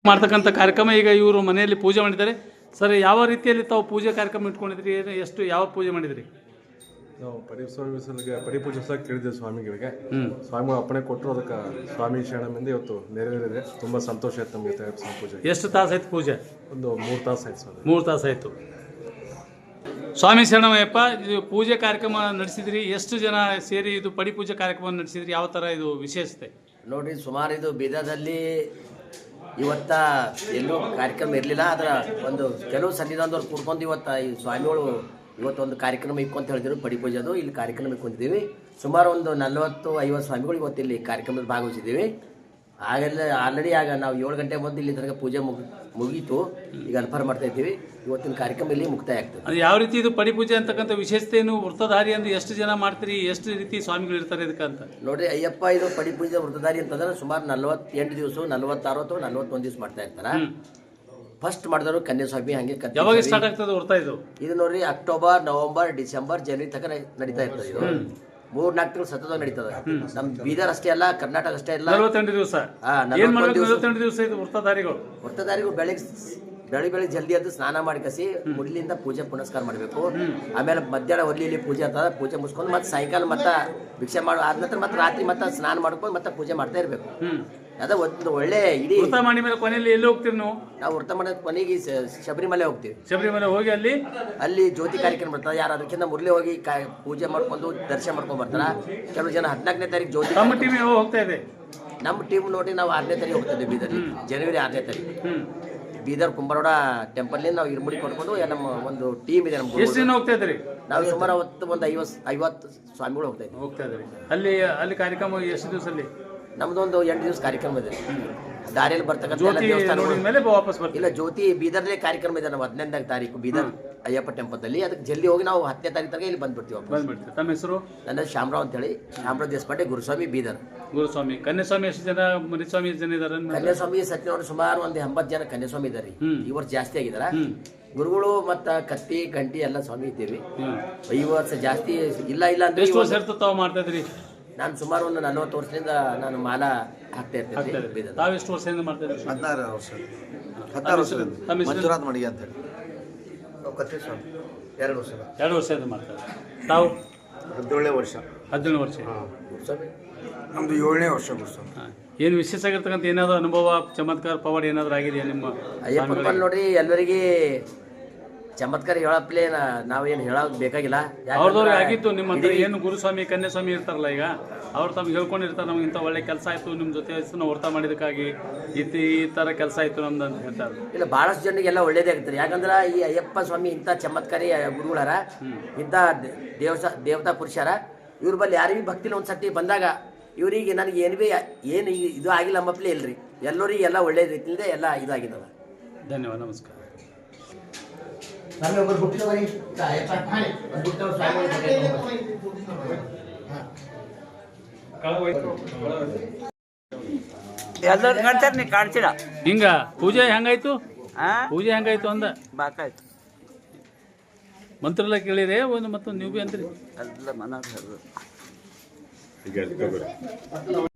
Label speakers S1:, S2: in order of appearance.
S1: ಮಾಡ್ತಕ್ಕಂಥ ಕಾರ್ಯಕ್ರಮ ಈಗ ಇವರು ಮನೆಯಲ್ಲಿ ಪೂಜೆ ಮಾಡಿದ್ದಾರೆ. ಸರ್, ಯಾವ ರೀತಿಯಲ್ಲಿ ತಾವು ಪೂಜೆ ಕಾರ್ಯಕ್ರಮ ಇಟ್ಕೊಂಡಿದ್ರಿ? ಎಷ್ಟು ಯಾವ ಪೂಜೆ ಮಾಡಿದ್ರಿ?
S2: ನಾವು ಪರಿಪೂಜಿಸೋಕೆ ಕೇಳಿದ್ದೇವೆ ಸ್ವಾಮಿಗಳಿಗೆ. ಸ್ವಾಮಿಗಳು ಅಪ್ಪಣೆ ಕೊಟ್ಟರು, ಅದಕ್ಕೆ ಸ್ವಾಮಿ ಶರಣಮಿಂದ ಇವತ್ತು ನೆರವೇರಿದೆ. ತುಂಬ ಸಂತೋಷ ಆಯ್ತು ನಮಗೆ ಸ್ವಾಮಿ ಪೂಜೆ.
S1: ಎಷ್ಟು ತಾಸು ಆಯ್ತು ಪೂಜೆ?
S2: ಒಂದು 3 ತಾಸು ಆಯ್ತು ಸ್ವಾಮಿ.
S1: 3 ತಾಸು ಆಯಿತು. ಸ್ವಾಮಿ ಶರಣಮಯ್ಯಪ್ಪ, ಇದು ಪೂಜೆ ಕಾರ್ಯಕ್ರಮ ನಡೆಸಿದ್ರಿ, ಎಷ್ಟು ಜನ ಸೇರಿ ಇದು ಪಡಿಪೂಜೆ ಕಾರ್ಯಕ್ರಮ ನಡೆಸಿದ್ರಿ? ಯಾವ ಥರ ಇದು ವಿಶೇಷತೆ?
S3: ನೋಡಿರಿ, ಸುಮಾರು ಇದು ಬೀದರ್ದಲ್ಲಿ ಇವತ್ತ ಎಲ್ಲೂ ಕಾರ್ಯಕ್ರಮ ಇರಲಿಲ್ಲ. ಅದರ ಒಂದು ಕೆಲವು ಸನ್ನಿಧಾನದವ್ರು ಕೂಡ್ಕೊಂಡು ಇವತ್ತು ಈ ಸ್ವಾಮಿಗಳು ಇವತ್ತೊಂದು ಕಾರ್ಯಕ್ರಮ ಇಕ್ಕೊಂತ ಹೇಳಿದ್ರು ಪಡಿಪೂಜೆದು. ಇಲ್ಲಿ ಕಾರ್ಯಕ್ರಮ ಇಕ್ಕೊಂಡಿದ್ದೀವಿ. ಸುಮಾರು ಒಂದು 40-50 ಸ್ವಾಮಿಗಳು ಇವತ್ತು ಇಲ್ಲಿ ಕಾರ್ಯಕ್ರಮದಲ್ಲಿ ಭಾಗವಹಿಸಿದ್ದೀವಿ. ಆಗೆಲ್ಲ ಆಲ್ರೆಡಿ ಆಗ ನಾವು 7 ಗಂಟೆ ಮೊದಲು ಇಲ್ಲಿ ತನಕ ಪೂಜೆ ಮುಗೀತು. ಈಗ ಅಲ್ಫಾರ್ ಮಾಡ್ತಾ ಇದ್ದೀವಿ. ಇವತ್ತಿನ ಕಾರ್ಯಕ್ರಮ ಇಲ್ಲಿ ಮುಕ್ತಾಯ ಆಗ್ತದೆ.
S1: ಅದು ಯಾವ ರೀತಿ ಇದು ಪಡಿಪೂಜೆ ಅಂತಕ್ಕಂಥ ವಿಶೇಷತೆ ಏನು? ವೃತ್ತಧಾರಿ ಅಂದ್ರೆ ಎಷ್ಟು ಜನ ಮಾಡ್ತೀರಿ? ಎಷ್ಟು ರೀತಿ ಸ್ವಾಮಿಗಳು ಇರ್ತಾರೆ ಇದಕ್ಕಂತ?
S3: ನೋಡ್ರಿ ಅಯ್ಯಪ್ಪ, ಇದು ಪಡಿಪೂಜೆ ವೃತ್ತಧಾರಿ ಅಂತಂದ್ರೆ ಸುಮಾರು 48 ದಿವಸ, 46 ಅಥವಾ 41 ದಿವಸ ಮಾಡ್ತಾ ಇರ್ತಾರೆ. ಫಸ್ಟ್ ಮಾಡಿದವರು ಕನ್ಯಾಸ್ವಾಮಿ. ಹಂಗೆ
S1: ಯಾವಾಗ ಸ್ಟಾರ್ಟ್ ಆಗ್ತದೆ ವೃತ್ತ ಇದು?
S3: ಇದು ನೋಡ್ರಿ ಅಕ್ಟೋಬರ್, ನವೆಂಬರ್, ಡಿಸೆಂಬರ್, ಜನವರಿ ತನಕ ನಡೀತಾ ಇರ್ತದೆ. ಇದು 3-4 ತಿಂಗಳು ಸತತ ನಡೀತದೆ. ನಮ್ ಬೀದರ್ ಅಷ್ಟೇ ಅಲ್ಲ, ಕರ್ನಾಟಕ ಅಷ್ಟೇ ಅಲ್ಲ.
S1: 48 ದಿವಸ. 48 ದಿವಸ ಇದು
S3: ವೃತ್ತಧಾರಿಗಳು ಬೆಳಿಗ್ಗೆ ಜಲ್ದಿ ಎದ್ದು ಸ್ನಾನ ಮಾಡಿಕಸಿ ಮುಡ್ಲಿಂದ ಪೂಜೆ ಪುನಸ್ಕಾರ ಮಾಡಬೇಕು. ಆಮೇಲೆ ಮಧ್ಯಾಹ್ನ ಒಲ್ಲಿಯಲ್ಲಿ ಪೂಜೆ ಆಗ್ತದೆ. ಪೂಜೆ ಮುಗಿಸ್ಕೊಂಡು ಮತ್ತೆ ಸಾಯಂಕಾಲ ಮತ್ತೆ ಭಿಕ್ಷೆ ಮಾಡೋ ಆದ ನಂತರ ಮತ್ತೆ ರಾತ್ರಿ ಮತ್ತೆ ಸ್ನಾನ ಮಾಡ್ಕೊಂಡು ಮತ್ತೆ ಪೂಜೆ ಮಾಡ್ತಾ ಇರಬೇಕು. ಅದ ಒಂದು ಒಳ್ಳೆ ಇಡೀ
S1: ವೃತ್ತ ಮಾಡಿ ಮೇಲೆ ಕೊನೆಯಲ್ಲಿ ಎಲ್ಲಿ ಹೋಗ್ತೀರಿ ನೀವು?
S3: ನಾವು ವೃತ್ತ ಮಾಡಿದ ಕೊನೆಗೆ ಶಬರಿಮಲೆ ಹೋಗ್ತೀವಿ.
S1: ಶಬರಿಮಲೆ ಹೋಗಿ
S3: ಅಲ್ಲಿ ಜ್ಯೋತಿ ಕಾರ್ಯಕ್ರಮ ಬರ್ತಾರೆ. ಯಾರು ಅದಕ್ಕಿಂತ ಮೊದಲೇ ಹೋಗಿ ಪೂಜೆ ಮಾಡ್ಕೊಂಡು ದರ್ಶನ ಮಾಡ್ಕೊಂಡು ಬರ್ತಾರ. ಕೆಲವು ಜನ 14ನೇ ತಾರೀಕು ಜ್ಯೋತಿ.
S1: ನಮ್ಮ ಟೀಮ್ ಹೋಗ್ತಾ ಇದೆ.
S3: ನಮ್ಮ ಟೀಮ್ ನೋಡಿ ನಾವು 6ನೇ ತಾರೀಕು ಹೋಗ್ತಿದ್ವಿ ಬೀದರ್. ಜನವರಿ 6ನೇ ತಾರೀಕು ಬೀದರ್ ಕುಂಬಾರೋಡ ಟೆಂಪಲ್ ನಾವು ಇರ್ಮುಡಿ ಕೊಡ್ಕೊಂಡು ನಮ್ಮ ಒಂದು ಟೀಮ್ ಇದೆ. ನಮ್ಗೆ
S1: ಎಷ್ಟು ಜನ ಹೋಗ್ತಾ ಇದ್ರಿ?
S3: ನಾವು ಸುಮಾರು ಒಂದು 50 ಸ್ವಾಮಿಗಳು ಹೋಗ್ತಾ ಇದ್ವಿ.
S1: ಅಲ್ಲಿ ಕಾರ್ಯಕ್ರಮ ಎಷ್ಟು ದಿವಸದಲ್ಲಿ?
S3: ನಮ್ದು ಒಂದು 8 ದಿವಸ ಕಾರ್ಯಕ್ರಮ ಇದೆ. ದಾರಿಯಲ್ಲಿ ಬರ್ತಕ್ಕಂಥ ಇಲ್ಲ ಜ್ಯೋತಿ ಬೀದರ್ಲೇ ಕಾರ್ಯಕ್ರಮ ಇದೆ. ನಾವು 15ನೇ ತಾರೀಕು ಬೀದರ್ ಅಯ್ಯಪ್ಪ ಟೆಂಪಲ್ದಲ್ಲಿ. ಅದಕ್ಕೆ ಜಲ್ದಿ ಹೋಗಿ ನಾವು 10ನೇ ತಾರೀಕು ತನಕ ಇಲ್ಲಿ ಬಂದ್ಬಿಡ್ತೀವಿ.
S1: ತಮ್ಮ ಹೆಸರು?
S3: ನನ್ನ ಶಾಮರಾವ್ ಅಂತ ಹೇಳಿ, ಶಾಮರಾವ್ ದೇಶಪಾಂಡೆ, ಗುರುಸ್ವಾಮಿ, ಬೀದರ್.
S1: ಗುರುಸ್ವಾಮಿ. ಕನ್ಯಾಸ್ವಾಮಿ ಎಷ್ಟು ಜನ? ಮರಿಸ್ವಾಮಿ ಎಷ್ಟು ಜನ ಇದ್ದಾರೆ?
S3: ಕನ್ಯಾಸ್ವಾಮಿ ಸತ್ಯನವರು ಸುಮಾರು ಒಂದು 80 ಜನ ಕನ್ಯಾಸ್ವಾಮಿ ಇದ್ದಾರೆ. ಈ ವರ್ಷ ಜಾಸ್ತಿ ಆಗಿದಾರ. ಗುರುಗಳು ಮತ್ತ ಕತ್ತಿ ಗಂಟಿ ಎಲ್ಲ ಸ್ವಾಮಿ ಇದ್ದೀವಿ. ಈ ವರ್ಷ ಜಾಸ್ತಿ ಇಲ್ಲ ಅಂದ್ರೆ.
S1: ಎಷ್ಟು ವರ್ಷ ತಾವು ಮಾಡ್ತಾ ಇದ್ರಿ?
S3: ನಾನು ಸುಮಾರು ಒಂದು 40 ವರ್ಷದಿಂದ ನಾನು ಮಾಲಾ ಹಾಕ್ತಾ ಇರ್ತೇನೆ.
S1: ತಾವೆಷ್ಟು ವರ್ಷದಿಂದ ಮಾಡ್ತಾ ಇದ್ರಿ?
S4: 16 ವರ್ಷ. 16 ವರ್ಷದಿಂದ ಮಂಜುನಾಥ್ ಮಡಿಗೆ ಅಂತ ಹೇಳಿ. ನಾವು ಕತ್ತಿ ಸ್ವಾಮಿ 2 ವರ್ಷ.
S1: 2 ವರ್ಷದಿಂದ ಮಾಡ್ತಾ ಇದ್ರಿ. ತಾವು
S4: 17ನೇ ವರ್ಷ.
S1: 17 ವರ್ಷ.
S4: ನಮ್ದು 7ನೇ ವರ್ಷ.
S1: ಏನು ವಿಶೇಷ ಆಗಿರ್ತಕ್ಕಂಥ ಏನಾದ್ರು ಅನುಭವ, ಚಮತ್ಕಾರ, ಪವಾಡ ಏನಾದ್ರು ಆಗಿದೆಯಾ ನಿಮ್ಮ?
S3: ಅಯ್ಯಪ್ಪ ನೋಡ್ರಿ, ಎಲ್ಲರಿಗೆ ಚಮತ್ಕಾರ ಹೇಳಪ್ಲೇ ನಾವೇನು ಹೇಳೋದು ಬೇಕಾಗಿಲ್ಲ.
S1: ಅವ್ರದವ್ರಿಗೆ ಆಗಿತ್ತು. ನಿಮ್ಮ ಹತ್ರ ಏನು ಗುರುಸ್ವಾಮಿ ಕನ್ಯಾಸ್ವಾಮಿ ಇರ್ತಾರಲ್ಲ, ಈಗ ಅವ್ರು ತಮ್ಗೆ ಹೇಳ್ಕೊಂಡಿರ್ತಾರೆ, ನಮ್ಗೆ ಇಂಥ ಒಳ್ಳೆ ಕೆಲಸ ಆಯಿತು, ನಿಮ್ಮ ಜೊತೆ ನಾವು ವ್ರತ ಮಾಡಿದಕ್ಕಾಗಿ ಈ ಥರ ಕೆಲಸ ಆಯಿತು ನಮ್ದು ಅಂತ ಹೇಳ್ತಾರೆ.
S3: ಇಲ್ಲ, ಭಾಳಷ್ಟು ಜನರಿಗೆಲ್ಲ ಒಳ್ಳೇದೇ ಆಗ್ತಾರೆ. ಯಾಕಂದ್ರೆ ಈ ಅಯ್ಯಪ್ಪ ಸ್ವಾಮಿ ಇಂಥ ಚಮತ್ಕಾರಿ ಗುರುಗಳಾರ, ಇಂಥ ದೇವತಾ ಪುರುಷರ. ಇವ್ರ ಬಲ್ಲಿ ಯಾರಿಗೂ ಭಕ್ತಿಲಿ ಒಂದ್ಸತಿ ಬಂದಾಗ ಇವರಿಗೆ ನನಗೆ ಏನು ಇದು ಆಗಿಲ್ಲ ಅಂಬಪ್ಲೇ ಇಲ್ರಿ. ಎಲ್ಲರಿಗೆ ಎಲ್ಲ ಒಳ್ಳೆ ರೀತಿಯಿಂದ ಎಲ್ಲ ಇದಾಗಿದ್ದಾವೆ.
S1: ಧನ್ಯವಾದ, ನಮಸ್ಕಾರ.
S5: ಎಲ್ಲರೂ ಕಾಣ್ತಾರೆ, ನೀ ಕಾಣ್ತೀರ.
S1: ಹಿಂಗ ಪೂಜೆ ಹೆಂಗಾಯ್ತು? ಪೂಜೆ ಹೆಂಗಾಯ್ತು ಅಂದ?
S5: ಬಾಕಾಯ್ತು.
S1: ಮಂತ್ರೆಲ್ಲ ಕೇಳಿರಿ ಒಂದು ಮತ್ತೊಂದು ನೀವು ಭೀ ಅಂತೀರಿ
S5: ಎಲ್ಲ ಮನ